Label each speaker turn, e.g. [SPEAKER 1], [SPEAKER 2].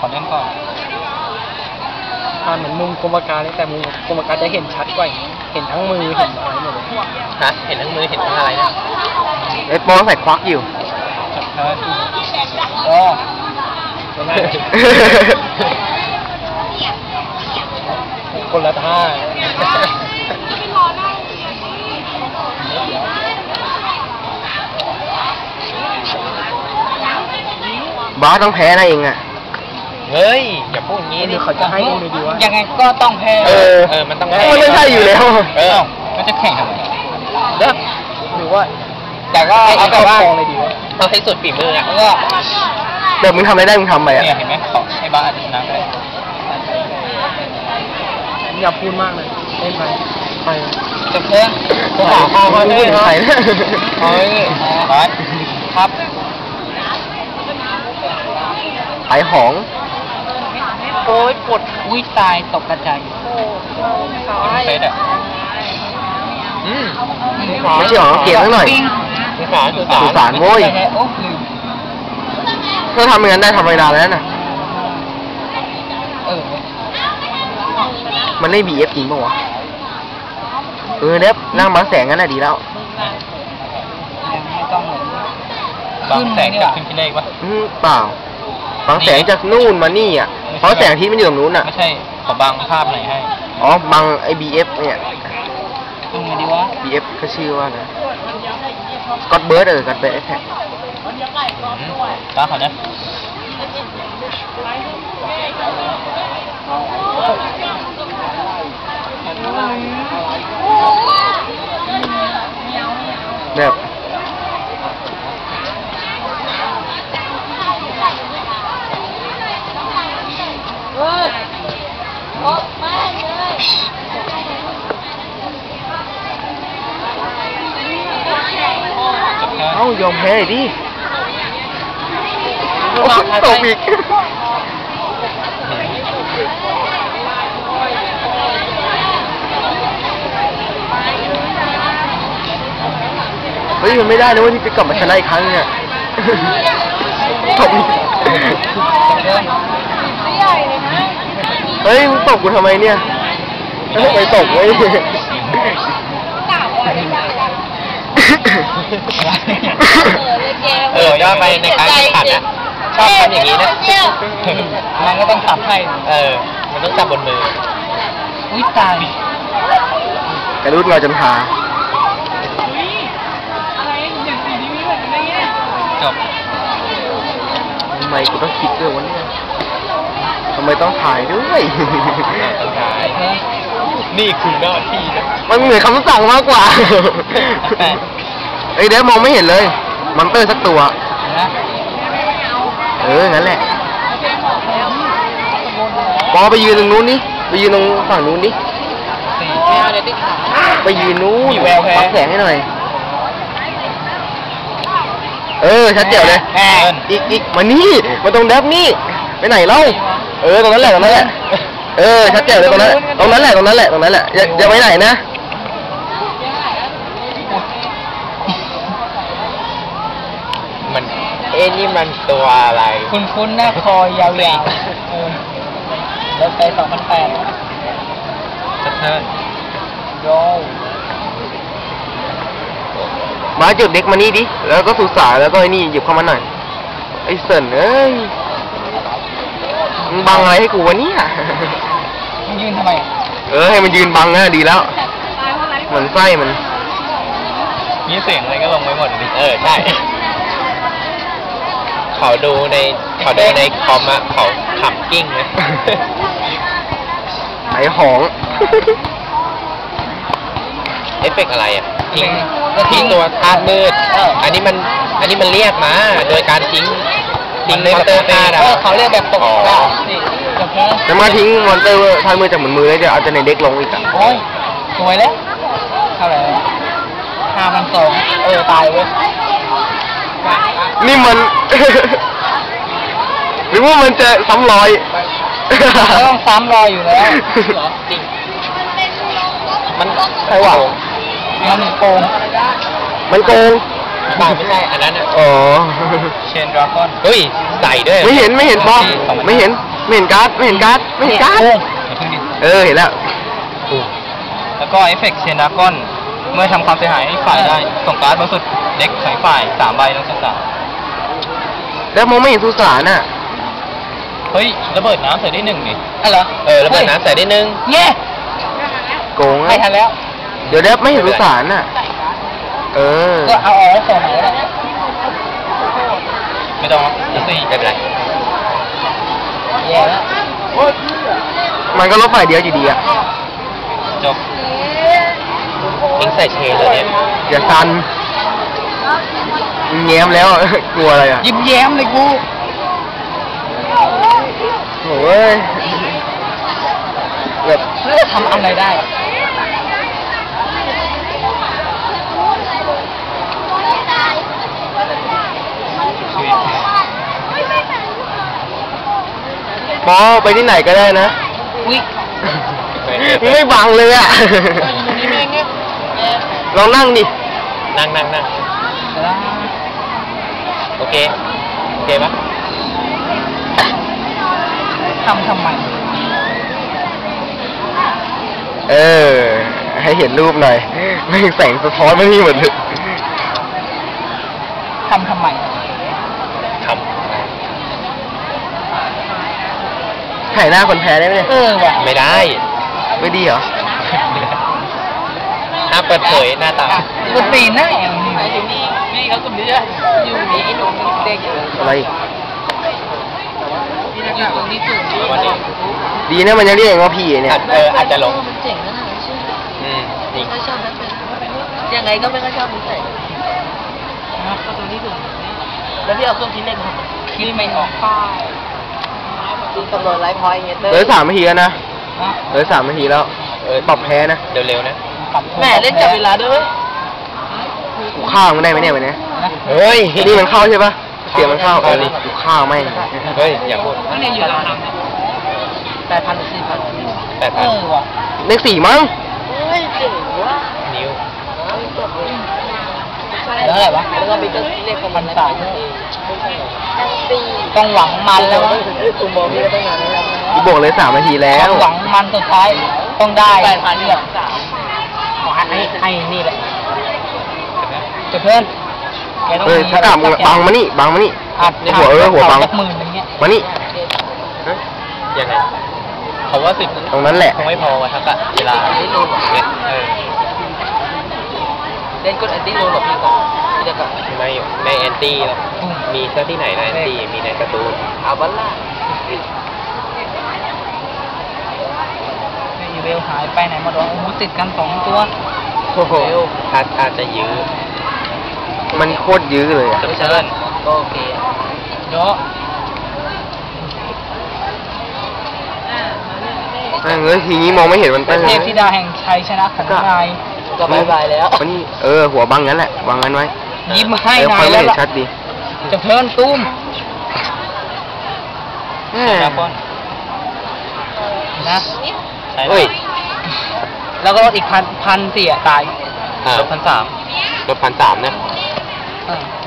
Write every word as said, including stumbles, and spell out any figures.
[SPEAKER 1] อเล่นก่อนเหมือนมุมกรมการเลยแต่มุมกรมการจะเห็นชัดกว่าเห็นทั้งมือเห็นอะไรหมดเลยฮะเห็นทั้งมือเห็นทั้งอะไรนะ
[SPEAKER 2] เอ็ดโปใส่ควักอยู่
[SPEAKER 1] โอ้คนละท่า
[SPEAKER 2] บ้าต้องแพ้นะเองอ่ะ
[SPEAKER 1] เฮ้ยอย่าพูดงี้ดิเขาจะให้ดูดีว่ายังไงก็ต้องแพ้
[SPEAKER 2] เออ
[SPEAKER 1] เออมันต้องแพ้
[SPEAKER 2] มันไม่ใช่อยู่แล้ว
[SPEAKER 1] เออมันจะแข่งทำไมเด้อหรือว่าแต่ก็เอาแบบว่าเอาให้สุดฝีมืออ่ะก็
[SPEAKER 2] เดี๋ยวมึงทำอะไรได้มึงทำไปอ่ะ
[SPEAKER 1] เนี่ยเห็นไหมขอให้บ้าชนะไปอย่าพูดมากเลยเล่นไปไปจะเพื่อนขอขอขอพูดไปเฮ้ยครับ
[SPEAKER 2] ไอหอง
[SPEAKER 1] โอ้ยปวดอุ้ยตายตกกระจายเฟสอ่ะอืม
[SPEAKER 2] ไม่ใช่หรอเกลียดนิดหน่อย
[SPEAKER 1] สุสาน
[SPEAKER 2] สุสานโว้ยถ้าทำอย่างนั้นได้ทำเวลาแล้วน่ะ
[SPEAKER 1] เออ
[SPEAKER 2] มันได้บีเอฟจริงป่าวะเออเด็บนั่งบางแสงงั้นแหละดีแล้ว
[SPEAKER 1] ยังไม่ต้องบางแสงจากขึ้นที่เลขวะ
[SPEAKER 2] เปล่าบางแสงจากนู่นมานี่อ่ะเพราะแสงที่มันอยู่ตรงนู้นอ่ะ
[SPEAKER 1] ไม่ใช่ขอบางภาพไหนให้
[SPEAKER 2] อ๋อบางไอบีเอฟเนี่ย
[SPEAKER 1] ทำไงดีวะ
[SPEAKER 2] บีเอฟก็ชื่อว่านะก็อดเบิร์ดเออก็อดเบิร์ดแท็ก
[SPEAKER 1] ตาเขาเนี่ย
[SPEAKER 2] แบบเอ้ายอมแพ้ดิตกอีกเฮ้ยมันไม่ได้นะว่าที่จะกลับมาชนะอีกครั้งเนี่ยตกอีกเฮ้ยมึงตกกูทำไมเนี่ยไปตกเว้ย
[SPEAKER 1] เออย่อไปในการแข่งขันนะชอบทำอย่างนี้นะมันก็ต้องจับให้เออมันต้องจับบนมืออุ้ยตาย
[SPEAKER 2] กระดุดเราจนหา
[SPEAKER 1] จบ
[SPEAKER 2] ทำไมกูต้องคิดด้วยวะเนี่ยทำไมต้องถ่ายด้วย
[SPEAKER 1] ต้องถ่ายนี่คือหน้าที่นะ
[SPEAKER 2] มันเหมือนคำสั่งมากกว่าไอเดี๋ยวมองไม่เห็นเลยมันเตอร์สักตัวเอองั้นแหละปอไปยืนตรงนู้นนี่ไปยืนตรงฝั่งนู้นดิไปยืนนู้นปักแสงให้หน่อยเออชัดเจ๋วเลยอีกอีกมานี่มาตรงแดบนี่ไปไหนเล่าเออตรงนั้นแหละตรงนั้นแหละเออชัดเจ๋วเลยตรงนั้นตรงนั้นแหละตรงนั้นแหละตรงนั้นแหละอย่าอย่าไปไหนนะ
[SPEAKER 1] มันเอ็นี่มันตัวอะไรคุณคุณหน้าคอยาวๆเราไปสองพันแปดชัดเจนโย
[SPEAKER 2] มาจุดเด็กมานี่ดิแล้วก็สุสาแล้วก็ไอ้นี่หยิบเข้ามาหน่อยไอ้เสินเอ้ยมึงบังอะไรให้กูวะเนี่ย
[SPEAKER 1] มึงยืนทำไม
[SPEAKER 2] เออให้มันยืนบังนะดีแล้วเหมือนไส้มัน
[SPEAKER 1] มีเสียงอะไรก็ลงไว้หมดดิเออใช่เขาดูในเขาดูในคอมอะเขาขำกิ้งเลย
[SPEAKER 2] ไอ้หอง
[SPEAKER 1] เอฟเฟกอะไรอ่ะทิ้งทิ้งตัวธาตุมืดอันนี้มันอันนี้มันเรียกมาโดยการทิ้งทิ้งมอนเตอร์ธาตุเขาเรียกแบบตก
[SPEAKER 2] แล้วมาทิ้งมอนเตอร์ธาตุมืดจากเหมือนมือแล้วจะเอาจะในเด็กลงอีกอ่ะ
[SPEAKER 1] โอ้ยสวยแล้วเท่าไหร่ห้าพันสองเออตายเว้ย
[SPEAKER 2] นี่มันหรือว่ามันจะซ้ำรอย
[SPEAKER 1] ต้องซ้ำรอยอยู่แล้วจริงมัน
[SPEAKER 2] ใช่หว่า
[SPEAKER 1] มันโกง
[SPEAKER 2] มันโกง
[SPEAKER 1] เปล่าไม่ใช่อันนั้นอ่ะ
[SPEAKER 2] อ๋อ
[SPEAKER 1] เชนดราก้อนเฮ้ยใส่ด้วย
[SPEAKER 2] ไม่เห็นไม่เห็นปอไม่เห็นไม่เห็นการ์ดไม่เห็นการ์ดไม่เห็นการ์ด เออเห็นแล้ว
[SPEAKER 1] แล้วก็เอฟเฟกต์เชนดากอนเมื่อทำความเสียหายให้ฝ่ายได้ส่งการ์ดบนสุดเด็กของฝ่ายสามใบลงสุสาน
[SPEAKER 2] แล้วมองไม่เห็นสุสานอ่ะ
[SPEAKER 1] เฮ้ยระเบิดน้ำใส่ได้หนึ่งนี่อะไรเหรอเออระเบิดน้ำใส่ได้หนึ่งเย้
[SPEAKER 2] โกง
[SPEAKER 1] ไม่
[SPEAKER 2] อ่ะ
[SPEAKER 1] ทันแล้ว
[SPEAKER 2] เดี๋ยวเดี๋ยวไม่เห็นสุสานอ่ะ เออ
[SPEAKER 1] ก็เอาออกแล้วส่งไหนแล้วไม่ต้องสี่ไม่เป็นไรแย่แล้ว
[SPEAKER 2] มันก็ลบฝ่ายเดียวอยู่ดีอ่ะ
[SPEAKER 1] จบเอ็งใส่เชนเลยเนี่ย
[SPEAKER 2] อย่าซันแง้มแล้ว กลัวอะไรอ่ะ
[SPEAKER 1] ยิ้มแย้มเลยกู
[SPEAKER 2] โอ้ยแบบ
[SPEAKER 1] แล้วจะทำอะไรได้
[SPEAKER 2] ปอไปที่ไหนก็ได้นะ
[SPEAKER 1] อุ้ย
[SPEAKER 2] ไม่บังเลยอ่ะ ลองนั่งดิ
[SPEAKER 1] นั่งนั่งนั่งโอเค โอเคปะทำทำไม
[SPEAKER 2] เออ ให้เห็นรูปหน่อยไม่แสงสะท้อนมานี่หมดเลย
[SPEAKER 1] ทำทำไมทำ
[SPEAKER 2] ถ่ายหน้าคนแพ้ได้ไหมเนี่ย
[SPEAKER 1] เออว่ะไม่ได้
[SPEAKER 2] ไม่ดีเหรอ
[SPEAKER 1] ห้ามเปิดเผยหน้าตากูตีหน้าอย่างนี้นี่เขากลุ่มนี้อยู่นี่ไอ้หนุ่มเด็ก
[SPEAKER 2] อะไร
[SPEAKER 1] อยู่ตรงนี้สูงวันนี้
[SPEAKER 2] ดีนะมันยังเรียกว่าพี่เนี่ย
[SPEAKER 1] เอออาจจะหลง
[SPEAKER 3] มันเจ๋งนะหนังชื่อ
[SPEAKER 1] อืมจริง
[SPEAKER 3] ก็ชอบนักเป็นยังไงก็ไม่ก็ชอบนิสัยก็ตรงนี้ถูกแล้วพี่เอาเครื่องคิดเลขมา
[SPEAKER 1] คิดไม่ออกป้าย
[SPEAKER 3] กำหนดไลฟ์พอยต์เงี้ย
[SPEAKER 2] เหลือสามนาทีแล้วนะเหลือสามนาทีแล้ว
[SPEAKER 1] เออ
[SPEAKER 2] ปรับแพ้นะ
[SPEAKER 1] เร็วๆนะ
[SPEAKER 3] แม่เล่นจับเวลาด้วย
[SPEAKER 2] กูข้าวมันได้ไหมเนี่ยวันนี้
[SPEAKER 1] เฮ้ย
[SPEAKER 2] นี่มันเข้าใช่ปะเสียงมันเข้าเออกูข้าวไม่ง
[SPEAKER 1] เฮ้ยอย่าพูด
[SPEAKER 3] ก็เนี่ยอยู่ราคาแปดพันหรือสี่พัน
[SPEAKER 1] แปด
[SPEAKER 3] เอ
[SPEAKER 1] พัน
[SPEAKER 3] อว่ะ
[SPEAKER 2] เลขสี่มั้ง
[SPEAKER 3] เฮ้ยเจ๋งว่ะ
[SPEAKER 1] นิ้ว
[SPEAKER 3] แล้วอะไรวะแล้วก็มีเครื่องคิดเลขของมันสามปี
[SPEAKER 1] ต้องหวังมันแล้ว
[SPEAKER 3] คุณบอกพี่ก็ตั้งนานแล้ว
[SPEAKER 2] กูบอกเลยสามนาทีแล้
[SPEAKER 1] ต้
[SPEAKER 2] ว
[SPEAKER 1] องหวังมันสุดท้ายต้องได้
[SPEAKER 3] แปดพันเนี่ยสาม
[SPEAKER 1] ขอให้ให้นี่แหละจะเพื่อนแกต้อง
[SPEAKER 2] เออถ้ากลับบังมานี่บังมานี่
[SPEAKER 1] อัด
[SPEAKER 2] หัวเออหัวบัง
[SPEAKER 1] สักหมื่นอย่างเงี้ย
[SPEAKER 2] มานี่
[SPEAKER 1] ยังไงเขาว่าสิบ
[SPEAKER 2] ตรงนั้นแหละ
[SPEAKER 1] คงไม่พอวะทักอะเวลาเออ
[SPEAKER 3] เล่นกดแอนตี้โรลหรอพี่ก่อนพี่จะกลับ
[SPEAKER 1] ไม่ไม่แอนตี้หรอกมีซะที่ไหนนะแอนตี้มีในการ์ตูน
[SPEAKER 3] เอาบัลล่า
[SPEAKER 1] อีเวลหายไปไหนหมดวะโอ้โหติดกันสองตัว
[SPEAKER 2] โอ้โห
[SPEAKER 1] อาจอาจจะยื้อ
[SPEAKER 2] มันโคตรยื้อเลยอ่ะ
[SPEAKER 1] จะเชิญ
[SPEAKER 3] ก็โอเคอะ
[SPEAKER 1] เยอะ
[SPEAKER 2] แม่งเอ้ยทีนี้มองไม่เห็นมัน
[SPEAKER 1] เป็
[SPEAKER 2] ตั้
[SPEAKER 1] น
[SPEAKER 2] ง
[SPEAKER 1] เทพธิดาแห่งชัยชนะของนาย
[SPEAKER 3] ก็บายบายแล้ว
[SPEAKER 2] มันนี่เออหัวบังงั้นแหละวางงั้นไว้
[SPEAKER 1] ยิ้มให้
[SPEAKER 2] เออ
[SPEAKER 1] นา
[SPEAKER 2] ค่อย ยไม่
[SPEAKER 1] แล้ว
[SPEAKER 2] เห็น
[SPEAKER 1] ล่ะ
[SPEAKER 2] ชัดดี
[SPEAKER 1] จะเพิ่นตุ้ม
[SPEAKER 2] แม่
[SPEAKER 1] นะคนนะ
[SPEAKER 2] เฮ้ย
[SPEAKER 1] แล้วก็ลดอีกพันพันสี่อ่ะตายลดพันสามลดพันสามนะ
[SPEAKER 3] เออ